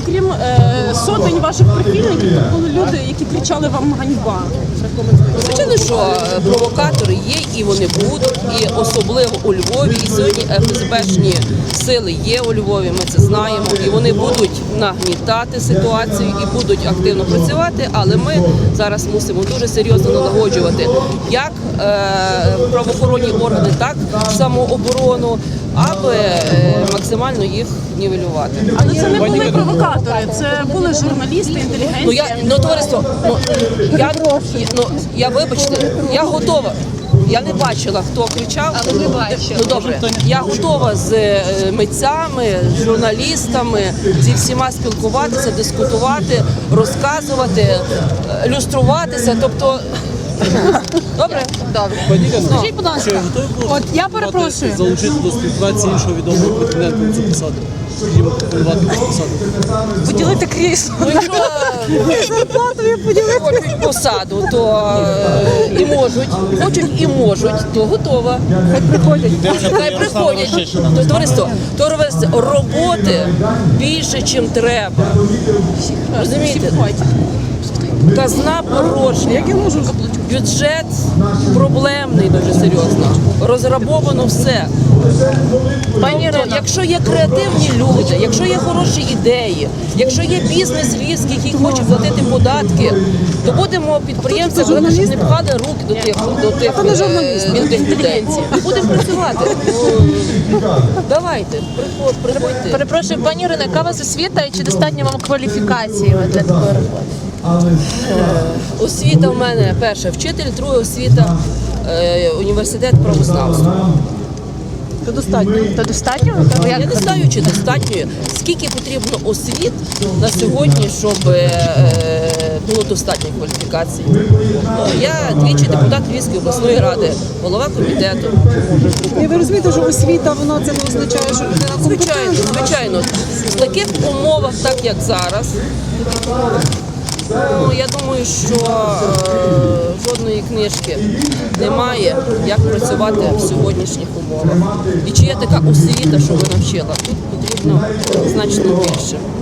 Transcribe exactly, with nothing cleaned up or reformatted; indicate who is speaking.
Speaker 1: окрім е, сотень ваших прихильників, тут були люди, які кричали вам ганьба.
Speaker 2: Звичайно, що провокатори є і вони будуть, і особливо у Львові. І сьогодні еф ес бешні сили є у Львові, ми це знаємо. І вони будуть нагнітати ситуацію і будуть активно працювати, але ми зараз мусимо дуже серйозно налагоджувати як е, правоохоронні органи, так і самооборону, аби е, максимально їх нівелювати.
Speaker 1: Але це не були провокатори, це були журналісти, інтелігенція.
Speaker 2: Ну я ну товариство, ну я ну я вибачте, я готова. Я не бачила, хто кричав. Але ви бачили. Ну добре, я готова з е, митцями, з журналістами, зі всіма спілкуватися, дискутувати, розказувати, е, люструватися. Тобто, добре, добре.
Speaker 3: Скажіть, будь ласка, от я перепрошую.
Speaker 4: Залучити до співпраці іншого відомого претендента на цю посаду. Скажімо, пропонувати цю посаду.
Speaker 1: Поділити крісло.
Speaker 2: Ну, якщо хочуть посаду, то е, і можуть, хочуть і можуть, то готова. Хай приходять. Хай приходять. Тобто, товариство, товариство, роботи більше, чим треба. Розумієте? Казна порожня. Бюджет проблемний дуже серйозно. Розрабовано все. Пані Ірино, якщо є креативні люди, якщо є хороші ідеї, якщо є бізнес львівський, який хоче платити податки, то будемо підприємцям говорити, щоб не пхали руки до тих, до тих е, мілких людей. Будемо працювати. Ну, давайте, приход, приходьте.
Speaker 3: Перепрошую, пані Ірино, яка у вас освіта і чи достатньо вам кваліфікації для такої роботи?
Speaker 2: Освіта в мене перша вчитель, друга освіта е, університет правознавства.
Speaker 3: То достатньо. То достатньо? То
Speaker 2: Я не знаю, чи достатньо, скільки потрібно освіт на сьогодні, щоб е, було достатньо кваліфікацій. Ну, я двічі депутат Львівської обласної ради, голова комітету.
Speaker 5: І ви розумієте, що освіта, вона це не означає, що людина
Speaker 2: Звичайно,
Speaker 5: компетентна?
Speaker 2: звичайно. В таких умовах, так як зараз, ну, я думаю, що е, жодної книжки немає, як працювати в сьогоднішніх умовах. І чи є така освіта, що ви навчила? Тут потрібно значно більше.